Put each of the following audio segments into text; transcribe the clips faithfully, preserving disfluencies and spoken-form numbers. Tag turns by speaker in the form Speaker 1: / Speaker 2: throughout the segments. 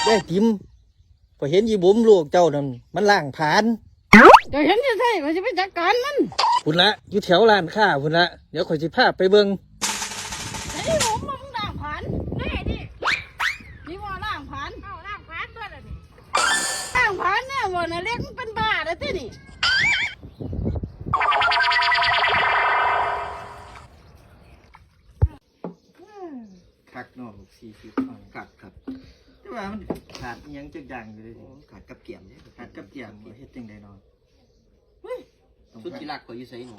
Speaker 1: ยายติ๋มพอเห็นยีบุ๋มลูกเจ้านั่นมันล่างผ่าน
Speaker 2: เดี๋ยวเห็นจะใช่ว่าจะไปจัดการมัน
Speaker 1: พุ่นละอยู่แถวร้านค้าพุ่นละเดี๋ยวข่อยสิพาไปเบิ่ง
Speaker 2: ไอ้ผมมึงล่างผ่านแน่ดินี่ว่าล่างผ่านเอาล่างผ่านด้วยล่ะนี่ล่างผ่านเนี่ยว่าน่ะเล็กมันเป็นบ้าแล้วที่นี่
Speaker 1: คักเนาะสี่สิบคักครับแต่ว่ามันขาดอิหยังจักอย่างอยู่เลย
Speaker 3: ขาดกับเกี่ยมเนี่ย
Speaker 1: ขาดกับเกียมเฮ็ดจังได๋เนาะ
Speaker 3: สุดที่รักก็อยู่ใส่หนู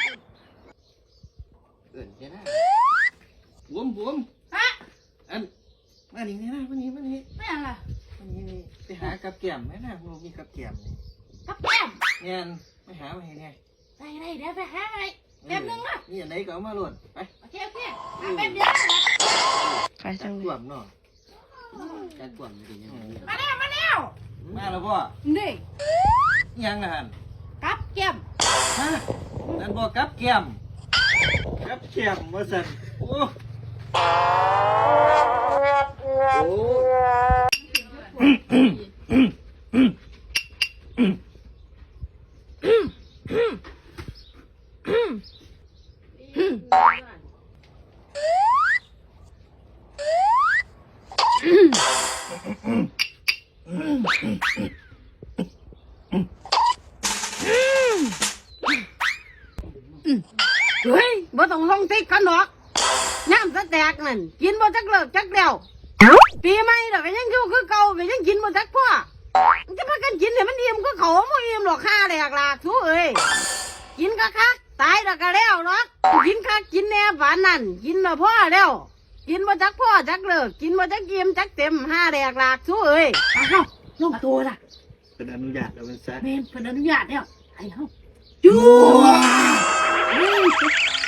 Speaker 3: เอิ่นแค่นั้น
Speaker 1: บุ๋มบุ๋ม
Speaker 2: ฮะ
Speaker 1: อันมานี่นี่นะมานี่มานี่
Speaker 2: ไม่เอาล่ะ
Speaker 1: มานี่นี่ไปหากับเกียมแม่น่ะบ่มีกับเกียมนี่
Speaker 2: กับแก้ม
Speaker 1: แม่นไปหามาให้แน่
Speaker 2: ได้ได้เดี๋ยวไปหาให้แป๊บนึงนะ
Speaker 1: นี่อันไหนก็เอามาโหลดไป
Speaker 2: โอเคโอเคมาแป๊บเดียวนะ
Speaker 1: ไปจังกวมเนาะ
Speaker 3: การกวนมันเป็นยังไง
Speaker 2: มาแล้วมาแล้ว
Speaker 1: มาแล้วพ่อ
Speaker 2: นี่
Speaker 1: ยังนะฮัน
Speaker 2: กับแก้ม
Speaker 1: ฮะนั่นบอกกับเกียมกับเกียมว่าสันโอ้โ
Speaker 2: เฮ้ยบ่ต้องลงติ๊กกันหรอกน้ำสแตกนั่นกินบ่จักเลิกจักเดียวปีใหม่ดอกก็ยังอยู่คือเก่าก็ยังกินบ่จักพ่อมันจะพากันกินเนี่ยมันอิ่มก็เขาบ่อิ่มหรอกค่าแหลกหลากทุเอ้ยกินก็คักตายแล้วก็แล้วหรอกกินคักกินแน่หวานนั่นกินแล้วพ่อแล้วกินบ่จักพ่อจักเลิกกินบ่จักอิ่มจักเต็มห้าแหลกหลากทุเอ้ยอ้าวลงตัวล่ะ
Speaker 1: เป็นอนุญาตแล้วมันซะ
Speaker 2: แม่นเพิ่นอนุญาตแล้วไอ้เฮาจู้